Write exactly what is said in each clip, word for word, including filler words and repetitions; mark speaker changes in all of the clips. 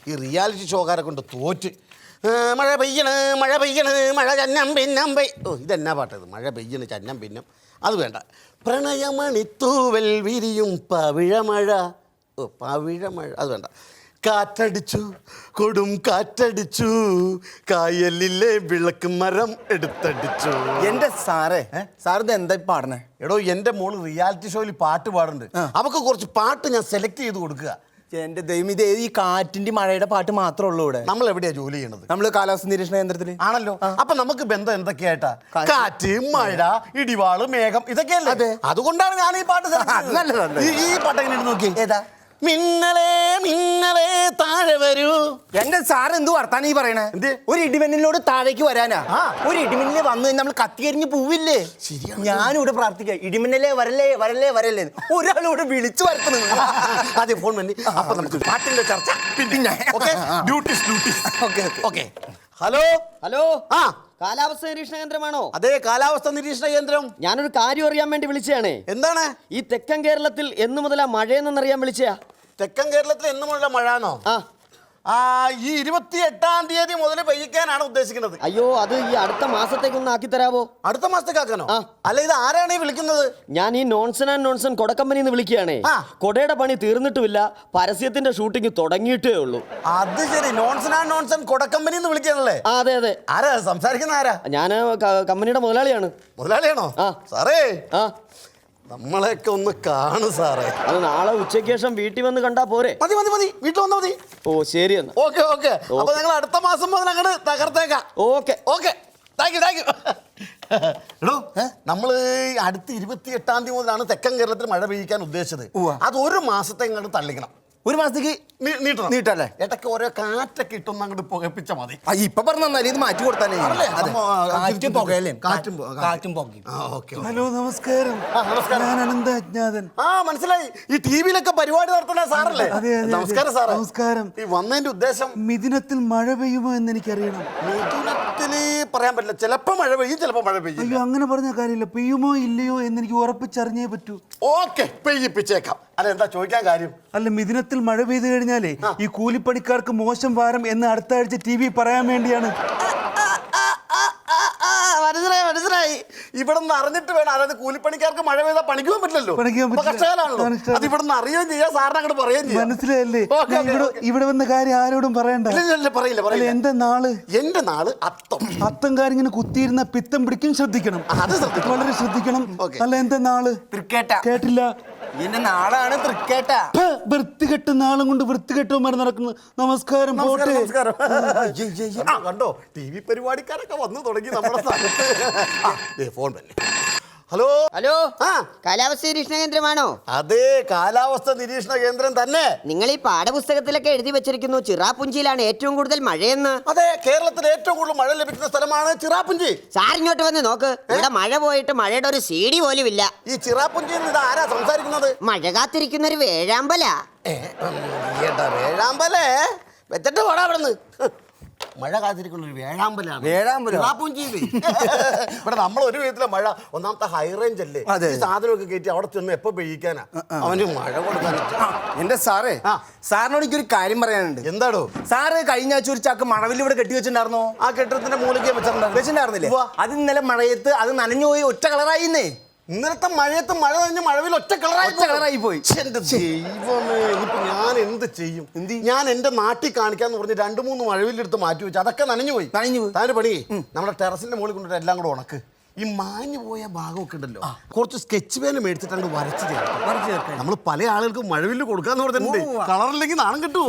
Speaker 1: ഈ റിയാലിറ്റി ഷോക്കാരെ കൊണ്ട് തോറ്റ്. മഴ പെയ്യണ് മഴ പെയ്യണ് മഴ ചന്നം പിന്നം പെയ് ഓ ഇതെന്നാ പാട്ടത്? മഴ പെയ്യണ് ചന്നം പിന്നം അത് വേണ്ട. പ്രണയമണിത്തൂവൽ വിരിയും പവിഴമഴ ഓ പവിഴമഴ അത് വേണ്ട. കാറ്റടിച്ചു കൊടും കാറ്റടിച്ചു കായലിലെ വിളക്ക് മരം എടുത്തടിച്ചു.
Speaker 2: എന്റെ സാറേ സാറിത് എന്താ പാടണേ?
Speaker 1: എടോ എൻ്റെ മോള് റിയാലിറ്റി ഷോയിൽ പാട്ട് പാടുന്നുണ്ട്. അവൾക്ക് കുറച്ച് പാട്ട് ഞാൻ സെലക്ട് ചെയ്ത് കൊടുക്കുക.
Speaker 2: എന്റെ ദൈവം, ഇത് ഈ കാറ്റിന്റെ മഴയുടെ പാട്ട് മാത്രമേ ഉള്ളൂ ഇവിടെ.
Speaker 1: നമ്മൾ എവിടെയാ ജോലി ചെയ്യണത്?
Speaker 2: നമ്മള് കാലാവസ്ഥ നിരീക്ഷണ കേന്ദ്രത്തില്
Speaker 1: ആണല്ലോ. അപ്പൊ നമുക്ക് ബന്ധം എന്തൊക്കെയായിട്ടാ? കാറ്റ്, മഴ, ഇടിവാള്, മേഘം ഇതൊക്കെയല്ലേ. അതുകൊണ്ടാണ് ഞാൻ ഈ പാട്ട് ഈ പാട്ട് എങ്ങനെ നോക്കി.
Speaker 2: ഏതാ?
Speaker 1: മിന്നലേ മിന്നലേ താഴെ വരൂ.
Speaker 2: എന്റെ സാർ എന്ത് വർത്താനം ഈ പറയണേ? ഒരു ഇടിമിന്നലിനോട് താഴേക്ക് വരാനാ? ഒരു ഇടിമിന്നല് വന്നു നമ്മൾ കത്തികരിഞ്ഞ് പോവില്ലേ? ഞാനിവിടെ പ്രാർത്ഥിക്കാം, ഇടിമിന്നലേ വരല്ലേ വരല്ലേ വരല്ലേ. ഒരാളിവിടെ വിളിച്ചു വരുത്തുന്നു.
Speaker 1: അതെ ഫോൺ വന്നി. അപ്പൊ നമുക്ക് പാട്ടിന്റെ ചർച്ച പിന്നെ. ഹലോ
Speaker 3: ഹലോ
Speaker 1: ആ
Speaker 3: കാലാവസ്ഥ നിരീക്ഷണ കേന്ദ്രമാണോ?
Speaker 1: അതെ, കാലാവസ്ഥ നിരീക്ഷണ കേന്ദ്രം.
Speaker 3: ഞാനൊരു കാര്യം അറിയാൻ വേണ്ടി വിളിച്ചതാണ്.
Speaker 1: എന്താണ്?
Speaker 3: ഈ തെക്കൻ കേരളത്തിൽ എന്നു മുതലാ മഴയെന്നറിയാൻ വിളിച്ചയാ.
Speaker 1: തെക്കൻ കേരളത്തിൽ എന്നുമുള്ള മഴയാണോ?
Speaker 3: ആ
Speaker 1: ആ ഈ ഇരുപത്തി എട്ടാം തീയതി മുതൽ പെയ്യിക്കാനാണ് ഉദ്ദേശിക്കുന്നത്.
Speaker 3: അയ്യോ, അത് ഈ അടുത്ത മാസത്തേക്കൊന്ന് ആക്കി തരാവോ?
Speaker 1: അടുത്ത മാസത്തേക്ക് ആക്കാനോ?
Speaker 3: ആ.
Speaker 1: അല്ല, ഇത് ആരാണ് ഈ വിളിക്കുന്നത്?
Speaker 3: ഞാൻ ഈ നോൺസൺ ആൻഡ് നോൺസൺ കൊടക്കമ്പനിന്ന് വിളിക്കുകയാണേ.
Speaker 1: ആ.
Speaker 3: കൊടയുടെ പണി തീർന്നിട്ടുമില്ല, പരസ്യത്തിന്റെ ഷൂട്ടിംഗ് തുടങ്ങിയിട്ടേ ഉള്ളൂ.
Speaker 1: അത് ശരി, നോൺസൺ ആൻഡ് നോൺസൺ കൊടക്കമ്പനി എന്ന് വിളിക്കാനല്ലേ?
Speaker 3: ആ അതെ അതെ.
Speaker 1: ആരാ സംസാരിക്കുന്ന? ആരാ?
Speaker 3: ഞാൻ കമ്പനിയുടെ മുതലാളിയാണ്.
Speaker 1: മുതലാളിയാണോ?
Speaker 3: ആ.
Speaker 1: സാറേ
Speaker 3: ആ
Speaker 1: നമ്മളെയൊക്കെ ഒന്ന് കാണു സാറേ.
Speaker 3: അത് നാളെ ഉച്ചയ്ക്ക് ശേഷം വീട്ടിൽ വന്ന് കണ്ടാ പോരെ?
Speaker 1: മതി മതി മതി, വീട്ടിൽ വന്നാ മതി.
Speaker 3: ഓ ശരി എന്നാ.
Speaker 1: Okay okay. അപ്പൊ ഞങ്ങൾ അടുത്ത മാസം മുതൽ അങ്ങോട്ട് തകർത്തേക്കാം.
Speaker 3: Okay
Speaker 1: okay, thank you thank you. എടോ, നമ്മള് അടുത്ത ഇരുപത്തി എട്ടാം തീയതി മുതലാണ് തെക്കൻ കേരളത്തിൽ മഴ പെയ്യിക്കാൻ ഉദ്ദേശിച്ചത്. അത് ഒരു മാസത്തെ ഇങ്ങോട്ട് തള്ളിക്കണം.
Speaker 2: ഒരു മാസത്തേക്ക്
Speaker 1: നീട്ടണം.
Speaker 2: നീട്ടല്ലേ?
Speaker 1: ഇടയ്ക്ക് ഓരോ കാറ്റൊക്കെ ഇട്ടൊന്ന് അങ്ങോട്ട് പുകപ്പിച്ച മതി.
Speaker 2: ഇപ്പൊ പറഞ്ഞാൽ ഇത് മാറ്റി കൊടുത്താലേ. കാറ്റും പുകയല്ലേ?
Speaker 1: കാറ്റും
Speaker 2: കാറ്റും പുകയും.
Speaker 4: ഹലോ നമസ്കാരം. ഞാൻ അനന്ത അജ്ഞാതൻ.
Speaker 1: ആ മനസ്സിലായി. ഈ ടി വിയിലൊക്കെ പരിപാടി നടത്തുന്ന സാറല്ലേ? നമസ്കാരം സാറേ.
Speaker 4: നമസ്കാരം.
Speaker 1: ഈ വന്നതിന്റെ ഉദ്ദേശം?
Speaker 4: മിഥുനത്തിൽ മഴ പെയ്യുമോ എന്ന് എനിക്കറിയണം.
Speaker 1: മിഥുനത്തില് പറയാൻ പറ്റില്ല. ചിലപ്പോ മഴ പെയ്യും, ചിലപ്പോ മഴ പെയ്യും.
Speaker 4: അയ്യോ, അങ്ങനെ പറഞ്ഞ കാര്യമില്ല. പെയ്യുമോ ഇല്ലയോ എന്ന് എനിക്ക് ഉറപ്പിച്ചറിഞ്ഞേ പറ്റൂ.
Speaker 1: ഓക്കെ, പെയ്യിപ്പിച്ചേക്കാം. അല്ല, എന്താ ചോദിക്കാൻ കാര്യം?
Speaker 4: അല്ല, മിഥുനത്തിൽ മഴ പെയ്തു കഴിഞ്ഞാലേ ഈ കൂലിപ്പണിക്കാർക്ക് മോശം വാരം എന്ന് അടുത്ത ആഴ്ച ടി വി പറയാൻ വേണ്ടിയാണ്.
Speaker 1: മനസ്സിലായി മനസ്സിലായി. ഇവിടെ നിന്ന് അറിഞ്ഞിട്ട് വേണം. അതായത് കൂലിപ്പണിക്കാർക്ക് മഴ പെയ്താൽ പണിക്ക് പോകാൻ പറ്റില്ലല്ലോ. കഷ്ടകാലാണല്ലോ. അത് ഇവിടെ നിന്ന് അറിയുകയും ചെയ്യാം, സാറിന് അങ്ങോട്ട് പറയുകയും ചെയ്യാം.
Speaker 4: മനസ്സിലായല്ലേ? ഇവിടെ വന്ന കാര്യം ആരോടും പറയണ്ട.
Speaker 1: പറയില്ല പറയില്ല.
Speaker 4: എന്റെ നാള്
Speaker 1: എന്റെ നാള് അത്തം.
Speaker 4: അത്തംകാരിങ്ങനെ കുത്തിയിരുന്ന പിത്തം പിടിക്കും. ശ്രദ്ധിക്കണം,
Speaker 1: അത് ശ്രദ്ധിക്കണം,
Speaker 4: വളരെ ശ്രദ്ധിക്കണം. അല്ല, എന്റെ നാള്
Speaker 2: തൃക്കേട്ട.
Speaker 4: കേട്ടില്ല?
Speaker 2: എന്റെ നാളാണ് തൃക്കേട്ട.
Speaker 4: വൃത്തികെട്ട നാളും കൊണ്ട് വൃത്തികെട്ടവന്മാർ നടക്കുന്നു. നമസ്കാരം. പോട്ടെ.
Speaker 1: കണ്ടോ, ടി വി പരിപാടിക്കാരൊക്കെ വന്നു തുടങ്ങി നമ്മുടെ സ്ഥലത്ത്. ഫോൺ തന്നെ. ഹലോ
Speaker 5: ഹലോ
Speaker 1: ആ
Speaker 5: കാലാവസ്ഥ നിരീക്ഷണ കേന്ദ്രമാണോ?
Speaker 1: അതെ, കാലാവസ്ഥ നിരീക്ഷണ കേന്ദ്രം തന്നെ.
Speaker 5: നിങ്ങൾ ഈ പാഠപുസ്തകത്തിലൊക്കെ എഴുതി വെച്ചിരിക്കുന്നു ചിറാപുഞ്ചിയിലാണ് ഏറ്റവും കൂടുതൽ മഴയെന്ന്.
Speaker 1: അതെ, കേരളത്തിൽ ഏറ്റവും കൂടുതൽ മഴ ലഭിക്കുന്ന സ്ഥലമാണ് ചിറാപുഞ്ചി.
Speaker 5: സാർ ഇങ്ങോട്ട് വന്ന് നോക്ക്, ഇവിടെ മഴ പോയിട്ട് മഴയുടെ ഒരു സീഡി പോലും ഇല്ല.
Speaker 1: ഈ ചിറാപുഞ്ചിയിൽ നിന്ന് ഇത് ആരാ സംസാരിക്കുന്നത്?
Speaker 5: മഴ കാത്തിരിക്കുന്ന ഒരു വേഴാമ്പല.
Speaker 1: വേഴാമ്പലേ വെച്ചിട്ട് പോടാ അവിടെ നിന്ന്. മഴ കാത്തിരിക്കുന്ന ഒരു വേഴാമ്പലാണ്.
Speaker 2: വേഴാമ്പലോ?
Speaker 1: ഇവിടെ നമ്മൾ ഒരു വിധത്തിലെ മഴ. ഒന്നാമത്തെ ഹൈ റേഞ്ച് അല്ലേ, ഈ സാധനമൊക്കെ കയറ്റി അവിടെ ചെന്ന് എപ്പോ പെയ്യിക്കാനാ അവന് മഴ കൊടുക്കാൻ.
Speaker 2: എന്റെ സാറേ, സാറിനോട് എനിക്കൊരു കാര്യം പറയാനുണ്ട്.
Speaker 1: എന്താടോ?
Speaker 2: സാറ് കഴിഞ്ഞ ആഴ്ച ഒരു ചാക്ക് മഴവിൽ ഇവിടെ കെട്ടി വെച്ചിട്ടുണ്ടായിരുന്നോ?
Speaker 1: ആ കെട്ടിടത്തിന്റെ മൂലയ്ക്ക്
Speaker 2: വെച്ചിട്ടുണ്ടായിരുന്നില്ലേ? അത് ഇന്നലെ മഴയത്ത് അത് നനഞ്ഞു പോയി ഒറ്റ കളറായിന്നേ.
Speaker 1: ഇന്നലത്തെ മഴയത്ത് മഴ കഴിഞ്ഞ് മഴവിൽ ഒറ്റ കളറായി
Speaker 2: കളറായി പോയി.
Speaker 1: എന്റെ ദൈവമേ, ഇനിയിപ്പോ ഞാൻ എന്ത് ചെയ്യും? ഞാൻ എന്റെ നാട്ടിൽ കാണിക്കാന്ന് പറഞ്ഞ് രണ്ടു മൂന്ന് മഴവിലെടുത്ത് മാറ്റി വെച്ചു. അതൊക്കെ നനഞ്ഞു പോയി.
Speaker 2: നനഞ്ഞു പോയി.
Speaker 1: താൻ്റെ പണി നമ്മുടെ ടെറസിന്റെ മുകളിൽ കൊണ്ടിട്ട് എല്ലാം കൂടെ ഉണക്ക്. ഈ മാഞ്ഞു പോയ ഭാഗമൊക്കെ ഉണ്ടല്ലോ, കുറച്ച് സ്കെച്ച് പേന മേടിച്ചിട്ട് അങ്ങ് വരച്ച് ചേർക്കാം. നമ്മൾ പല ആളുകൾക്കും മഴവില് കൊടുക്കാന്ന് പറഞ്ഞിട്ടുണ്ട്. കളറില്ലെങ്കിൽ നാണം കിട്ടുമോ?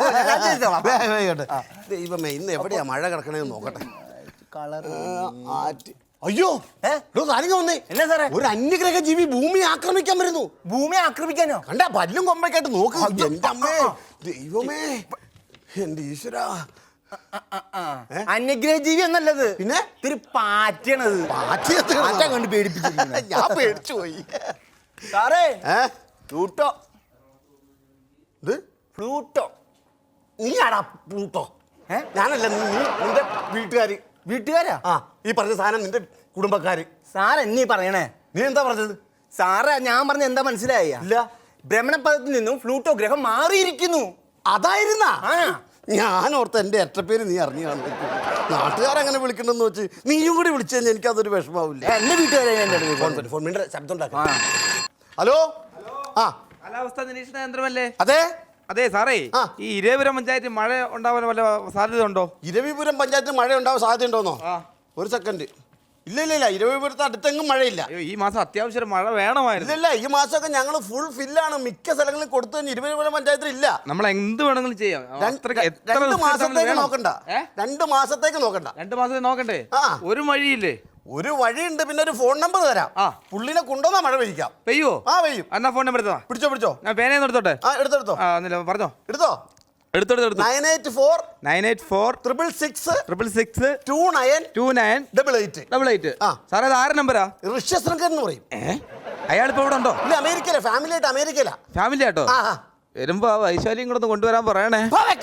Speaker 1: ദൈവമേ, ഇന്ന് എവിടെയാ മഴ കിടക്കണേന്ന് നോക്കട്ടെ. കളർ അയ്യോ കാര്യങ്ങൾ വന്നേ.
Speaker 2: എന്നാ സാറേ?
Speaker 1: ഒരു അന്യഗ്രഹ ജീവി ഭൂമി ആക്രമിക്കാൻ വരുന്നു.
Speaker 2: ഭൂമി ആക്രമിക്കാനോ?
Speaker 1: കണ്ടാ പല്ലും കൊമ്പൊക്കെയായിട്ട് നോക്ക്. എന്റെ അമ്മേ, ദൈവമേ, എന്റെ ഈശ്വര.
Speaker 2: അന്യഗ്രഹ ജീവി എന്നല്ലത്,
Speaker 1: പിന്നെ
Speaker 2: ഇത്തിരി പാറ്റണത്.
Speaker 1: പാറ്റ
Speaker 2: കണ്ട് പേടിപ്പിച്ചിരിക്കുന്നു.
Speaker 1: ഞാൻ പേടിച്ചു പോയി.
Speaker 2: സാറേ,
Speaker 1: ഫ്ലൂട്ടോ. ഇത്
Speaker 2: ഫ്ലൂട്ടോ?
Speaker 1: നീ ആടാ ഫ്ലൂട്ടോ? ഞാനല്ല, നീ നിന്റെ വീട്ടുകാര്.
Speaker 2: വീട്ടുകാരാ?
Speaker 1: ആ, ഈ പറഞ്ഞ സാധനം നിന്റെ കുടുംബക്കാര്.
Speaker 2: സാർ എന്നീ പറയണേ.
Speaker 1: നീ എന്താ പറഞ്ഞത്?
Speaker 2: സാറേ, ഞാൻ പറഞ്ഞ എന്താ മനസ്സിലായ?
Speaker 1: ഇല്ല.
Speaker 2: ഭ്രമണപഥത്തിൽ നിന്നും ഫ്ലൂട്ടോ ഗ്രഹം മാറിയിരിക്കുന്നു.
Speaker 1: അതായിരുന്നാ? ഞാൻ ഓർത്ത് എൻ്റെ എട്ടപ്പേര് നീ അറിഞ്ഞു കാണും. നാട്ടുകാരങ്ങനെ വിളിക്കണമെന്ന് വെച്ച് നീയും കൂടി വിളിച്ചു കഴിഞ്ഞാൽ എനിക്കതൊരു വിഷമാവില്ല.
Speaker 2: എന്റെ വീട്ടുകാരെ ഞാൻ എൻ്റെ
Speaker 1: ഫോൺ വരും, ഫോൺ മിണ്ടരുത്, ശബ്ദം ഉണ്ടാക്കാം. ഹലോ ആ
Speaker 6: കാലാവസ്ഥ നിരീക്ഷണ യന്ത്രമല്ലേ?
Speaker 1: അതെ
Speaker 6: അതെ സാറേ,
Speaker 1: ആ.
Speaker 6: ഈ ഇരവിപുരം പഞ്ചായത്തിൽ മഴ ഉണ്ടാവാൻ വല്ല സാധ്യത ഉണ്ടോ?
Speaker 1: ഇരവിപുരം പഞ്ചായത്തിൽ മഴ ഉണ്ടാവാൻ സാധ്യതയുണ്ടോന്നോ?
Speaker 6: ആ.
Speaker 1: ഒരു സെക്കൻഡ്. ഇല്ല ഇല്ല ഇല്ല ഇരവിപുരത്ത് അടുത്തെങ്ങും മഴയില്ല.
Speaker 6: അയ്യോ, ഈ മാസം അത്യാവശ്യം മഴ വേണമായിരുന്നു.
Speaker 1: ഇല്ല ഈ മാസമൊക്കെ ഞങ്ങൾ ഫുൾ ഫില്ലാണ്. മിക്ക സ്ഥലങ്ങളിൽ കൊടുത്തു കഴിഞ്ഞ് ഇരുപതിപുരം പഞ്ചായത്തിൽ ഇല്ല.
Speaker 6: നമ്മൾ എന്ത് വേണമെങ്കിലും ചെയ്യാം. അത്രയ്ക്ക് എത്ര
Speaker 1: രണ്ട്
Speaker 6: റിസ്ക്
Speaker 1: മാസത്തേക്ക്
Speaker 6: എടുത്താലും
Speaker 1: നോക്കണ്ട.
Speaker 6: ഏ?
Speaker 1: രണ്ട് മാസത്തേക്ക് നോക്കണ്ട.
Speaker 6: രണ്ട് മാസത്തെ നോക്കണ്ടേ?
Speaker 1: ആ.
Speaker 6: ഒരു വഴിയില്ലേ?
Speaker 1: ഒരു വഴിയുണ്ട്, പിന്നെ ഒരു ഫോൺ നമ്പർ തരാം.
Speaker 6: ആ.
Speaker 1: പുള്ളിനെ കൊണ്ടുവന്നാ മഴ പെയ്യിക്കാം.
Speaker 6: പെയ്യോ?
Speaker 1: ആ പെയ്യും.
Speaker 6: എന്നാ ഫോൺ നമ്പർ എടുത്തോ.
Speaker 1: പിടിച്ചോ പിടിച്ചോ.
Speaker 6: ഞാൻ പേനയൊന്നും എടുത്തോട്ടെ.
Speaker 1: ആ എടുത്തെടുത്തോ.
Speaker 6: ആ ഒന്നില്ല, പറഞ്ഞോ.
Speaker 1: എടുത്തോ.
Speaker 6: എടുത്തോടുത്ത് എടുത്തു.
Speaker 1: Nine eight four
Speaker 6: nine eight four
Speaker 1: triple six
Speaker 6: triple six
Speaker 1: two nine
Speaker 6: two nine
Speaker 1: double eight
Speaker 6: double eight.
Speaker 1: ആ.
Speaker 6: സാറേ അത് ആറ് നമ്പരാ?
Speaker 1: ഋഷ്യശൃംഖൻ എന്ന് പറയും.
Speaker 6: ഏ അയാളിപ്പോ ഇവിടെ ഉണ്ടോ?
Speaker 1: ഇല്ല അമേരിക്കയില, ഫാമിലി ആയിട്ട് അമേരിക്കയില.
Speaker 6: ഫാമിലി ആട്ടോ?
Speaker 1: ആ ആ.
Speaker 6: വരുമ്പോ ആ വൈശാലിയും കൂടെ ഒന്ന് കൊണ്ടുവരാൻ പറയണേ.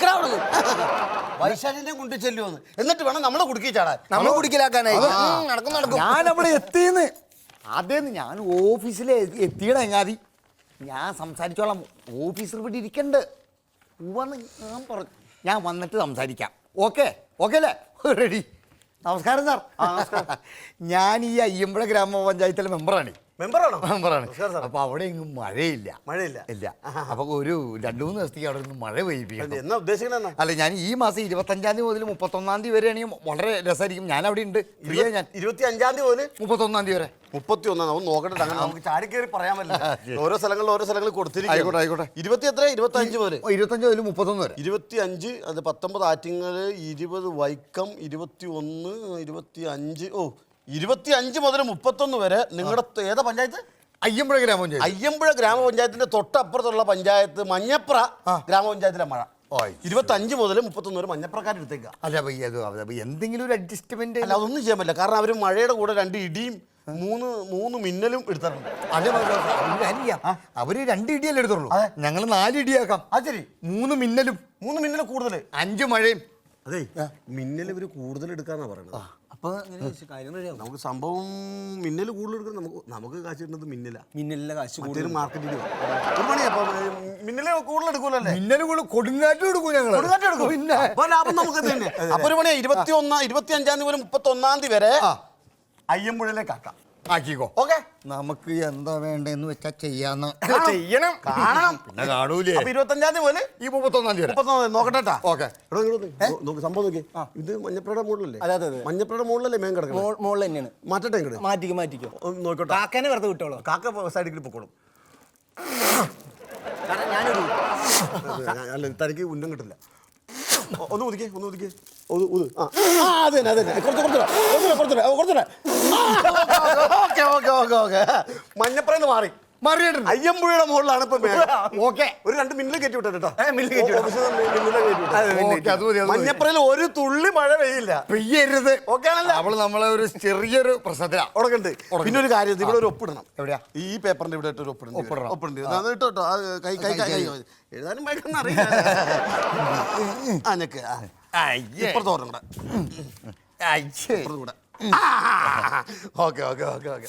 Speaker 1: വൈശാലിനെ കൊണ്ട് ചെല്ലുമെന്ന്, എന്നിട്ട് വേണം നമ്മളെ കുടുക്കി ചാടാൻ.
Speaker 2: നമ്മൾ കുടിക്കലാക്കാനായി
Speaker 1: നടക്കും നടക്കും.
Speaker 2: ഞാൻ അവിടെ എത്തിയെന്ന് അതേന്ന് ഞാൻ ഓഫീസിൽ എത്തിയട എങ്ങാതി ഞാൻ സംസാരിച്ചോളാം. ഓഫീസർ ഇവിടെ ഇരിക്കണ്ട് വന്ന് ഞാൻ പറഞ്ഞു ഞാൻ വന്നിട്ട് സംസാരിക്കാം. ഓക്കെ ഓക്കെ അല്ലേ? റെഡി. നമസ്കാരം സാർ. ഞാൻ ഈ അയ്യമ്പുഴ ഗ്രാമപഞ്ചായത്തിലെ മെമ്പറാണ്.
Speaker 1: മെമ്പറാണോ?
Speaker 2: മെമ്പറാണ്.
Speaker 1: Sir, sir.
Speaker 2: അപ്പൊ അവിടെ എങ്ങും മഴയില്ല.
Speaker 1: മഴയില്ല.
Speaker 2: ഇല്ല. അപ്പൊ ഒരു രണ്ടു മൂന്ന് ദിവസത്തേക്ക് അവിടെ നിന്ന് മഴ പെയ്യിപ്പിക്കണം.
Speaker 1: എന്നാ ഉദ്ദേശിക്കണ എന്നാ?
Speaker 2: അല്ല ഞാൻ ഈ മാസം ഇരുപത്തഞ്ചാം തീയതി മുതൽ മുപ്പത്തൊന്നാം തീയതി വരെയാണെങ്കിൽ വളരെ രസമായിരിക്കും. ഞാൻ അവിടെ ഉണ്ട്. ഫ്രീയാ ഞാൻ.
Speaker 1: ഇരുപത്തി അഞ്ചാം തീയതി മുതൽ
Speaker 2: മുപ്പത്തൊന്നാം തീയതി വരെ.
Speaker 1: മുപ്പത്തി ഒന്നാം ഒന്ന് നോക്കട്ടെ. അങ്ങനെ നമുക്ക് ചാടി കയറി പറയാൻ പറ്റില്ല. ഓരോ സ്ഥലങ്ങളിൽ ഓരോ സ്ഥലങ്ങളിൽ കൊടുത്തിരിക്കും.
Speaker 2: ആയിക്കോട്ടെ ആയിക്കോട്ടെ.
Speaker 1: ഇരുപത്തി എത്ര? ഇരുപത്തി അഞ്ച് മുതൽ
Speaker 2: ഇരുപത്തഞ്ച് മുതൽ മുപ്പത്തൊന്ന് വരെ.
Speaker 1: ഇരുപത്തി അഞ്ച് അത് പത്തൊമ്പത് ആറ്റിങ്ങല്, ഇരുപത് വൈക്കം, ഇരുപത്തി ഒന്ന് ഇരുപത്തി അഞ്ച് ഓ ഇരുപത്തി അഞ്ച് മുതൽ മുപ്പത്തൊന്ന് വരെ നിങ്ങളുടെ ഏതാ പഞ്ചായത്ത്?
Speaker 2: അയ്യമ്പുഴ ഗ്രാമപഞ്ചായത്ത്.
Speaker 1: അയ്യമ്പുഴ ഗ്രാമപഞ്ചായത്തിന്റെ തൊട്ടപ്പുറത്തുള്ള പഞ്ചായത്ത് മഞ്ഞപ്ര ഗ്രാമപഞ്ചായത്തിലെ മഴ. ഇരുപത്തി അഞ്ച് മുതൽ മുപ്പത്തൊന്ന് വരെ മഞ്ഞപ്രക്കാരെടുത്തേക്ക.
Speaker 2: അല്ല ഭയ്യ അത് അത് എന്തെങ്കിലും ഒരു അഡ്ജസ്റ്റ്മെന്റ്.
Speaker 1: അല്ല അതൊന്നും ചെയ്യാൻ പറ്റില്ല. കാരണം അവർ മഴയുടെ കൂടെ രണ്ട് ഇടിയും മൂന്ന് മൂന്ന് മിന്നലും എടുത്തിട്ടുണ്ട്.
Speaker 2: അതെ അവര് രണ്ട് ഇടിയല്ലേ എടുത്തുള്ളൂ. ഞങ്ങൾ നാല് ഇടിയാക്കാം.
Speaker 1: ആ ശരി.
Speaker 2: മൂന്ന് മിന്നലും
Speaker 1: മൂന്ന് മിന്നൽ കൂടുതൽ,
Speaker 2: അഞ്ച് മഴയും.
Speaker 1: അതെ മിന്നൽ ഇവര് കൂടുതൽ എടുക്കാന്നാ പറയുന്നത്.
Speaker 2: അപ്പൊ
Speaker 1: നമുക്ക് സംഭവം മിന്നൽ കൂടുതൽ എടുക്കാൻ നമുക്ക് നമുക്ക് കാശ് കിട്ടുന്നത് മിന്നല.
Speaker 2: മിന്നലിന്റെ കാശ്
Speaker 1: മറ്റൊരു മാർക്കറ്റിൽ ഒരു പണി. അപ്പൊ മിന്നല് കൂടുതൽ എടുക്കൂലല്ലേ?
Speaker 2: മിന്നൽ കൂടെ കൊടുങ്കാറ്റ് കൊടുക്കും ഞങ്ങൾ.
Speaker 1: കൊടുങ്കാറ്റ് എടുക്കും.
Speaker 2: പിന്നെ
Speaker 1: അപ്പൊ ലാഭം നമുക്ക് തന്നെ. അപ്പൊ ഒരു പണിയാ, ഇരുപത്തി ഒന്നാം ഇരുപത്തി അഞ്ചാം തീയതി മുതൽ മുപ്പത്തി ഒന്നാം തീയതി വരെ അയ്യമ്പുഴയിലേക്ക് ആക്കാം.
Speaker 2: ആക്കിക്കോ.
Speaker 1: ഓക്കെ.
Speaker 2: നമുക്ക് എന്താ വേണ്ടെന്ന് വെച്ചാ ചെയ്യാന്ന്
Speaker 1: ചെയ്യണം. കാണണം.
Speaker 2: പിന്നെ കാണൂലേ.
Speaker 1: അപ്പൊ ഇരുപത്തഞ്ചാം തീയതി മുതൽ
Speaker 2: ഈ മുപ്പത്തൊന്നാം തീയതി വരെ.
Speaker 1: മുപ്പത്തൊന്നാം നോക്കട്ടെ.
Speaker 2: ഓക്കെ.
Speaker 1: നോക്ക് സംഭവം നോക്കി. ഇത് മഞ്ഞപ്പുഴയുടെ മുകളിലല്ലേ? മഞ്ഞപ്പുഴയുടെ മുകളിലല്ലേ മേൻ കിടക്കുന്നത്?
Speaker 2: മുകളിൽ തന്നെയാണ്.
Speaker 1: മാറ്റട്ടെ ഇങ്ങോട്ട്.
Speaker 2: മാറ്റിക്കോ മാറ്റിക്കോ.
Speaker 1: നോക്കട്ടെ.
Speaker 2: കാക്കനെ വെറുതെ വിട്ടോളൂ.
Speaker 1: കാക്ക സൈഡിൽ പൊക്കോളും.
Speaker 2: ഞാനൊരു
Speaker 1: അല്ല തനിക്ക് ഉന്നം കിട്ടില്ല. ഒന്ന് ഉദിക്കേ ഒന്ന് ഉദിക്കേ ഒന്ന് ഉത്. ആ അത് തന്നെ അത് തന്നെ. കുറച്ച് കുറച്ച് കുറച്ച് കുറച്ച്. Okay okay okay okay. മഞ്ഞപ്പുറന്ന് മാറി
Speaker 2: മറിയിട്ടുണ്ട്.
Speaker 1: അയ്യമ്പുഴയുടെ മുകളിലാണ് ഇപ്പൊ.
Speaker 2: ഓക്കെ.
Speaker 1: ഒരു രണ്ട് മിന്നിൽ കയറ്റി വിട്ടോ കേട്ടോ.
Speaker 2: മില്ല് കയറ്റി വിട്ടോ.
Speaker 1: മഞ്ഞപ്പുറയിൽ ഒരു തുള്ളി മഴ പെയ്യില്ല.
Speaker 2: പെയ്യരുത്.
Speaker 1: ഓക്കെ ആണല്ലോ.
Speaker 2: അവള് നമ്മളെ ഒരു ചെറിയൊരു പ്രശ്നത്തിലാ
Speaker 1: ഉടക്കുണ്ട്. പിന്നെ ഒരു കാര്യം, ഇവിടെ ഒരു ഒപ്പിടണം.
Speaker 2: എവിടെയാ?
Speaker 1: ഈ പേപ്പറിന്റെ ഇവിടെ ഒരു ഒപ്പിടണം.
Speaker 2: ഒപ്പിടണം.
Speaker 1: ഒപ്പിടേണ്ടി അത് ഇട്ടോ കേട്ടോ. കൈ കൈ കൈ എഴുതാനും ഭയങ്കര അറിയില്ല. ആ ഞെക്ക്. ഇപ്പുറത്ത് ഓർമ്മ കൂടെ. Okay okay okay okay.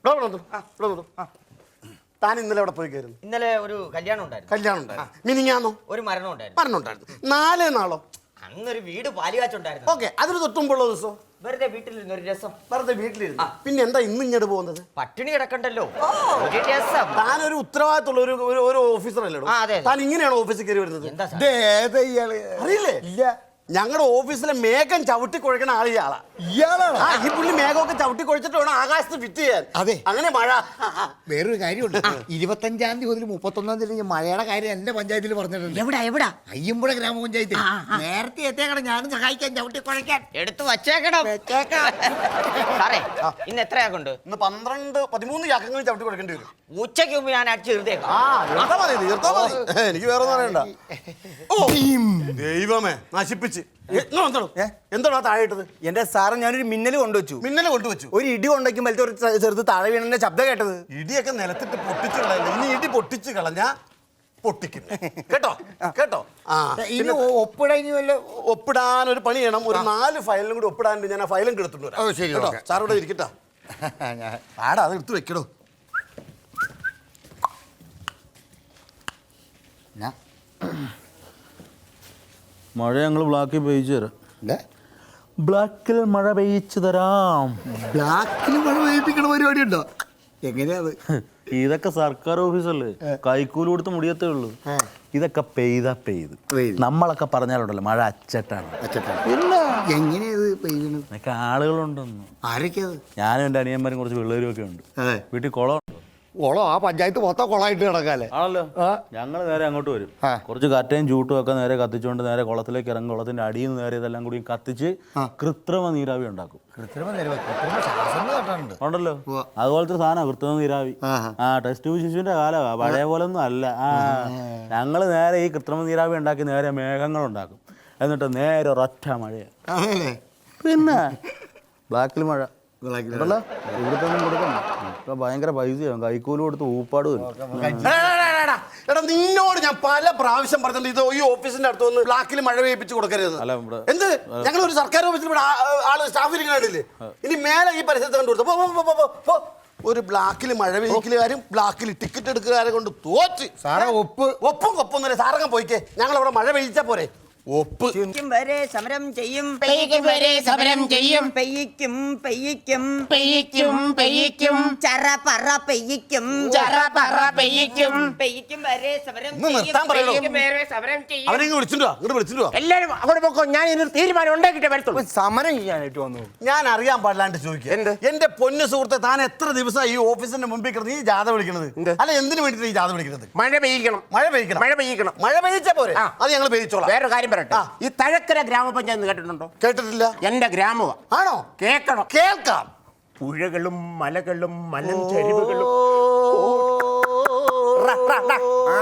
Speaker 1: താൻ ഇന്നലെ അവിടെ പോയി കയറുന്നു.
Speaker 5: ഇന്നലെ ഒരു കല്യാണം ഉണ്ടായിരുന്നു.
Speaker 1: കല്യാണം ഉണ്ടായിരുന്നു. മിനിങ്ങാന്നോ?
Speaker 5: ഒരു മരണം ഉണ്ടായിരുന്നു.
Speaker 1: മരണം ഉണ്ടായിരുന്നു. നാലേ നാളോ?
Speaker 5: അന്നൊരു വീട് പാലുകാച്ചുണ്ടായിരുന്നു.
Speaker 1: ഓക്കെ. അതിന് തൊട്ടുമ്പോഴുള്ള ദിവസം
Speaker 5: വെറുതെ വീട്ടിലിരുന്ന് ഒരു രസം.
Speaker 1: വെറുതെ വീട്ടിലിരുന്നു. പിന്നെ എന്താ ഇന്ന് ഇങ്ങോട്ട് പോകുന്നത്?
Speaker 5: പട്ടിണി കിടക്കണ്ടല്ലോ, ഒരു രസം.
Speaker 1: താനൊരു ഉത്തരവാദിത്തമുള്ള ഒരു ഒരു- ഒരു ഓഫീസറല്ലേ?
Speaker 5: ആ, അതെ, അതെ.
Speaker 1: താൻ ഇങ്ങനെയാണോ ഓഫീസിൽ കയറി വരുന്നത്?
Speaker 5: എന്താ സാർ?
Speaker 1: അറിയില്ലേ?
Speaker 2: ഇല്ല.
Speaker 1: ഞങ്ങളുടെ ഓഫീസിലെ മേഘം ചവിട്ടി കുഴക്കണ ആൾ ഇയാളാ.
Speaker 2: ഇയാളാണ്.
Speaker 1: ആ ഈ പുള്ളി മേഘമൊക്കെ ചവിട്ടി കുഴച്ചിട്ട് വേണം ആകാശത്ത് ഫിറ്റ് ചെയ്യാൻ.
Speaker 2: അതെ.
Speaker 1: അങ്ങനെ മഴ.
Speaker 2: വേറൊരു കാര്യമുണ്ട്. ഇരുപത്തഞ്ചാം തീയതി മുതൽ മുപ്പത്തൊന്നാം തീയതി മഴയുടെ കാര്യം എന്റെ പഞ്ചായത്തിൽ പറഞ്ഞിട്ടുണ്ട്.
Speaker 5: എവിടാ എവിടാ?
Speaker 2: അയ്യമ്പുഴ ഗ്രാമപഞ്ചായത്തിൽ. നേരത്തെ എത്തിയേക്കണം ഞാനും സഹായിക്കാൻ ചവിട്ടി കുഴക്കാൻ.
Speaker 5: എടുത്തു വച്ചേക്കണം. സാറേ ഇന്ന് എത്രയാക്കുണ്ട്?
Speaker 1: ഇന്ന് പന്ത്രണ്ട് പതിമൂന്ന് ചാക്കങ്ങൾ ചവിട്ടി കുഴക്കേണ്ടി വരും.
Speaker 5: ഉച്ചയ്ക്ക് മുമ്പ് ഞാൻ അടിച്ചു തീർത്തേക്കാം.
Speaker 1: ആ തീർത്താ മതി തീർത്താ മതി. എനിക്ക് വേറെ ഒന്നും അറിയണ്ട. ഓ ദൈവമേ നശിപ്പിച്ച്. എന്താണോ താഴെ ഇട്ടത്?
Speaker 2: എന്റെ സാറ് ഞാനൊരു മിന്നൽ കൊണ്ടുവച്ചു.
Speaker 1: മിന്നലെ കൊണ്ടുവച്ചു.
Speaker 2: ഒരു ഇടി കൊണ്ടുവയ്ക്കുമ്പോഴത്തെ ഒരു ചെറുത് താഴെ വീണന്റെ ശബ്ദം കേട്ടത്.
Speaker 1: ഇടിയൊക്കെ നിലത്തിട്ട് പൊട്ടിച്ച് കളയല്ല. ഇനി ഇടി പൊട്ടിച്ച് കളഞ്ഞാ പൊട്ടിക്കും കേട്ടോ കേട്ടോ. ആ
Speaker 2: ഇനി ഒപ്പിട ഇനി വല്ല
Speaker 1: ഒപ്പിടാൻ ഒരു പണി ചെയ്യണം. ഒരു നാല് ഫയലിലും കൂടി ഒപ്പിടാൻ ഞാൻ ആ ഫയലും എടുത്തിട്ട്
Speaker 2: ഓ, ശരി,
Speaker 1: കേട്ടോ.
Speaker 2: ഓക്കെ.
Speaker 1: സാറോടെ ഇരിക്കട്ടോ. ആടാ അത് എടുത്ത് വെക്കടോ.
Speaker 4: മഴ ഞങ്ങൾ ബ്ലാക്കിൽ പെയ്ച്ചു തരാം ബ്ലാക്കിൽ മഴ പെയ്ച്ചു തരാം.
Speaker 2: ബ്ലാക്കിൽ മഴ പെയ്യിപ്പിക്കണ പരിപാടി ഉണ്ടോ? എങ്ങനെയാത്?
Speaker 4: ഇതൊക്കെ സർക്കാർ ഓഫീസല്ലേ, കൈക്കൂലി കൊടുത്ത് മുടിയത്തേ ഉള്ളൂ. ഇതൊക്കെ പെയ്താ പെയ്ത് നമ്മളൊക്കെ പറഞ്ഞാലുണ്ടല്ലോ മഴ അച്ചട്ടാണ്.
Speaker 2: ഇല്ല, എങ്ങനെയത് പെയ്യണത്?
Speaker 4: ഇതൊക്കെ ആളുകളുണ്ടെന്ന്.
Speaker 2: ആരൊക്കെയത്?
Speaker 4: ഞാനും എൻ്റെ അനിയന്മാരും കുറച്ച് പിള്ളേരും ഒക്കെ ഉണ്ട്. വീട്ടിൽ കുളം ഉണ്ടോ?
Speaker 2: കുളം ആ പഞ്ചായത്ത് മൊത്തം കുളമായിട്ട് കിടക്കാല്ലേ?
Speaker 4: ആണല്ലോ. ഞങ്ങൾ നേരെ അങ്ങോട്ട് വരും. കുറച്ച് കറ്റയും ചൂട്ടും ഒക്കെ നേരെ കത്തിച്ചുകൊണ്ട് നേരെ കുളത്തിലേക്ക് ഇറങ്ങും. കുളത്തിന്റെ അടിയിൽ നിന്ന് നേരെ ഇതെല്ലാം കൂടി കത്തിച്ച് കൃത്രിമ നീരാവി ഉണ്ടാക്കും. ഉണ്ടല്ലോ, അതുപോലത്തെ സാധനം കൃത്രിമ നീരാവി. ആ ടെസ്റ്റ് ട്യൂബ് ശിശുവിന്റെ കാലമാ, പഴയ പോലെ ഒന്നും അല്ല. ആ ഞങ്ങൾ നേരെ ഈ കൃത്രിമ നീരാവി ഉണ്ടാക്കി നേരെ മേഘങ്ങൾ ഉണ്ടാക്കും. എന്നിട്ട് നേരെ ഒരൊറ്റ മഴയാണ്. പിന്നെ ബ്ലാക്കിൽ മഴ ഉണ്ടല്ലോ. ഇവിടുത്തെ ഒന്നും കൊടുക്കണം. ഇപ്പൊ ഭയങ്കര പൈസയാവും. കൈക്കൂലി കൊടുത്ത് ഊപ്പാട് വരും.
Speaker 1: എടാ നിന്നോട് ഞാൻ പല പ്രാവശ്യം പറഞ്ഞിട്ടുണ്ട് ഇത് ഈ ഓഫീസിന്റെ അടുത്ത് വന്ന് ബ്ലാക്കിൽ മഴ പെയ്യിപ്പിച്ച് കൊടുക്കരുത്. എന്ത് ഞങ്ങൾ ഒരു സർക്കാർ ഓഫീസിൽ ഇവിടെ ആള് സ്റ്റാഫിൽ കണ്ടില്ലേ? ഇനി മേലെ ഈ പരിസരത്ത് കണ്ടു കൊടുത്തു. ഒരു ബ്ലാക്കിൽ മഴ പെയ്യിക്കലുകാരും ബ്ലാക്കിൽ ടിക്കറ്റ് എടുക്കുകാരെ കൊണ്ട് തോറ്റ്.
Speaker 2: സാറേ ഒപ്പ്
Speaker 1: ഒപ്പും കൊപ്പൊന്നുമില്ല. സാറങ്ങ് പോയിക്കേ, ഞങ്ങൾ അവിടെ മഴ പെയ്യിച്ചാ പോരെ. ഒപ്പ്
Speaker 5: വരെ സമരം ചെയ്യും,
Speaker 7: പെയ്യ്ക്കും വരെ സമരം ചെയ്യും,
Speaker 5: പെയ്യിക്കും പെയ്യിക്കും
Speaker 7: പെയ്യ്ക്കും പെയ്യ്ക്കും
Speaker 5: ചറ പറ പെയ്യിക്കും,
Speaker 7: ചറ പറ പെയ്യ്ക്കും,
Speaker 5: പെയ്യിക്കും വരെ സമരം
Speaker 1: ഒന്ന് നിർത്താൻ പറയണോ?
Speaker 7: പെയ്യ്ക്കും വരെ സമരം ചെയ്യും.
Speaker 1: അവരെ വിളിച്ചിട്ടോ, ഇങ്ങോട്ട് വിളിച്ചിട്ടോ.
Speaker 7: എല്ലാരും അങ്ങോട്ട് പോക്കോ, ഞാൻ ഇതിനൊരു തീരുമാനം ഉണ്ടാക്കിയിട്ട് വരത്തുള്ളൂ.
Speaker 2: സമരം ചെയ്യാനായിട്ട് വന്നു.
Speaker 1: ഞാൻ അറിയാൻ പാടില്ലാണ്ട് ചോദിക്കുക.
Speaker 7: എന്ത്?
Speaker 1: എന്റെ പൊന്നു സുഹൃത്തെ, താൻ എത്ര ദിവസം ഈ ഓഫീസിന്റെ മുമ്പിൽ കിടന്ന് ഈ ജാഥ വിളിക്കണത്? അല്ല എന്തിനു വേണ്ടിട്ട് ഈ ജാഥ വിളിക്കുന്നത്?
Speaker 7: മഴ പെയ്യിക്കണം,
Speaker 1: മഴ പെയ്യിക്കണം.
Speaker 7: മഴ പെയ്യിക്കണം.
Speaker 1: മഴ പെയ്യിച്ചാ പോരെ?
Speaker 7: ആ.
Speaker 1: അത് ഞങ്ങൾ പെയ്യിച്ചോളാം.
Speaker 7: വേറൊരു കാര്യം പറയട്ടെ, ഈ തഴക്കര ഗ്രാമപഞ്ചായത്ത് കേട്ടിട്ടുണ്ടോ?
Speaker 1: കേട്ടിട്ടില്ല.
Speaker 7: എന്റെ ഗ്രാമമാ.
Speaker 1: ആണോ?
Speaker 7: കേക്കണം.
Speaker 1: കേൾക്കാം.
Speaker 7: പുഴകളും മലകളും മലഞ്ചരിവുകളും റ, റ, റ. ആ.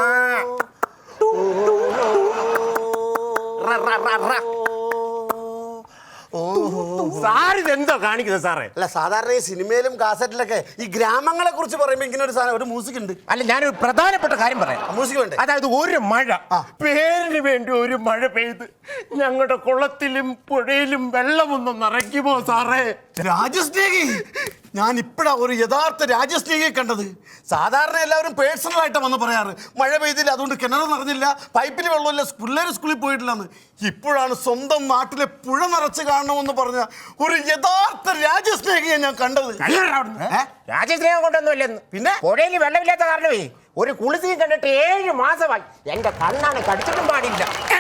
Speaker 7: റ, റ, റ, റ. സാർ ഇതെന്തോ കാണിക്കുന്നത് സാറേ?
Speaker 1: അല്ല സാധാരണ ഈ സിനിമയിലും കാസറ്റിലൊക്കെ ഈ ഗ്രാമങ്ങളെ കുറിച്ച് പറയുമ്പോ ഇങ്ങനെ ഒരു സാധനം ഒരു മ്യൂസിക് ഉണ്ട്.
Speaker 7: അല്ല, ഞാനൊരു പ്രധാനപ്പെട്ട കാര്യം പറയാം.
Speaker 1: മ്യൂസിക് വേണ്ടേ?
Speaker 7: അതായത് ഒരു മഴ, പേരിന് വേണ്ടി ഒരു മഴ പെയ്ത് ഞങ്ങളുടെ കുളത്തിലും പുഴയിലും വെള്ളമൊന്നും നിറയ്ക്കുമോ സാറേ?
Speaker 1: രാജസ്നേഹി, ഞാൻ ഇപ്പഴാ ഒരു യഥാർത്ഥ രാജസ്നേഹിയെ കണ്ടത്. സാധാരണ എല്ലാവരും പേഴ്സണൽ ആയിട്ട് വന്ന് പറയാറ് മഴ പെയ്തില്ല, അതുകൊണ്ട് കിണർ നിറഞ്ഞില്ല, പൈപ്പിൽ വെള്ളമില്ല, പിള്ളേർ സ്കൂളിൽ പോയിട്ടില്ലെന്ന്. ഇപ്പോഴാണ് സ്വന്തം നാട്ടിലെ പുഴ നിറച്ച് കാണണമെന്ന് പറഞ്ഞ ഒരു യഥാർത്ഥ രാജസ്നേഹിയെ ഞാൻ കണ്ടത്.
Speaker 7: രാജസ്നേഹം കൊണ്ടൊന്നുമില്ലെന്ന്.
Speaker 1: പിന്നെ
Speaker 7: പുഴയിൽ വെള്ളമില്ലാത്ത കാരണമേ ഒരു കുളിസിയും കണ്ടിട്ട് ഏഴ് മാസമായി. എന്റെ കണ്ണാണ് കടിച്ചിട്ടും പാടില്ല.